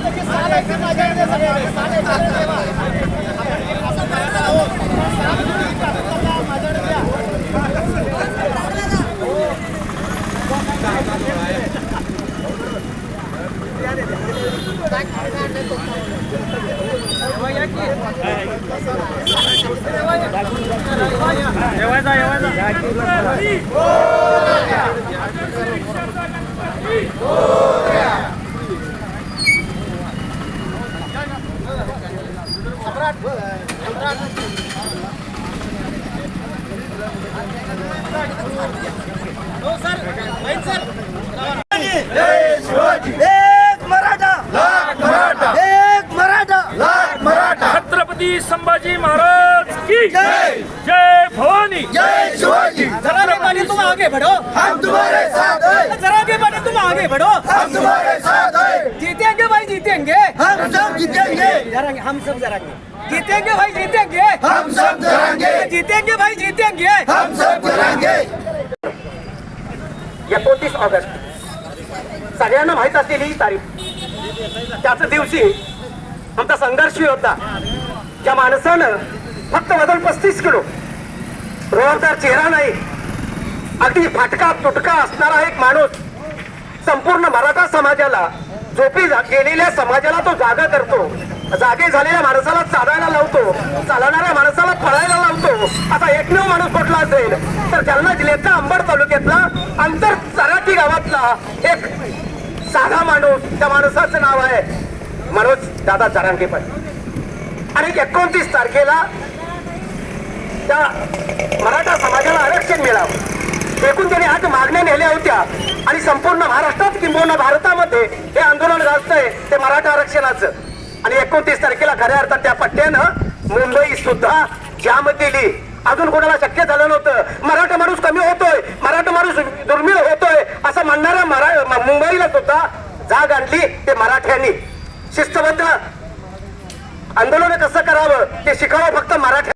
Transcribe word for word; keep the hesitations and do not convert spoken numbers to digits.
छत्रपती संभाजी महाराज की जय। जय भवानी, जय शिवाजी। जरा के पानी तुम आगे बढ़ो, हम तुम्हारे साथ हैं। जरा के पानी तुम आगे बढ़ो, हम तुम्हारे साथ हैं। जीतेंगे भाई जीतेंगे, हम सब जीतेंगे। जरांगे हम सब जरांगे, जीतेंगे भाई जीतेंगे, हम सब जरांगे। जीतेंगे भाई जीतेंगे, हम सब जरांगे। एकोणतीस ऑगस्ट सगळ्यांना माहित असलेली ही तारीख, त्याच दिवशी आमचा संघर्षी होता. ज्या माणसानं फक्त वजन पस्तीस किलो, रोजदार चेहरा नाही, अगदी फाटका तुटका असणारा एक माणूस संपूर्ण मराठा समाजाला, झोपी गेलेल्या समाजाला तो जागा करतो. जागे झालेल्या माणसाला चालायला लावतो, चालणाऱ्या माणसाला पळायला लावतो. असा एकमेव माणूस कुठला असेल तर जालना जिल्ह्यातला अंबड तालुक्यातला अंतर चराठी गावातला एक साधा माणूस. त्या माणसाचं नाव आहे मनोज दादा जरांगे पाटील. आणि एकोणतीस तारखेला त्या मराठा समाजाला आरक्षण मिळावं एकूण त्यांनी आठ मागण्या नेल्या होत्या. आणि संपूर्ण महाराष्ट्रात किंबहुना भारतामध्ये हे आंदोलन गाजतंय ते मराठा आरक्षणाचं. आणि एकोणतीस तारखेला खऱ्या अर्थात त्या पट्ट्यानं मुंबई सुद्धा जाम केली. अजून कोणाला शक्य झालं नव्हतं. मराठा माणूस कमी होतोय, मराठा माणूस दुर्मिळ होतोय असं म्हणणाऱ्या मरा मुंबईला सुद्धा जाग आणली ते मराठ्यांनी. शिस्तबद्ध आंदोलन कसं करावं ते शिकावं फक्त मराठा.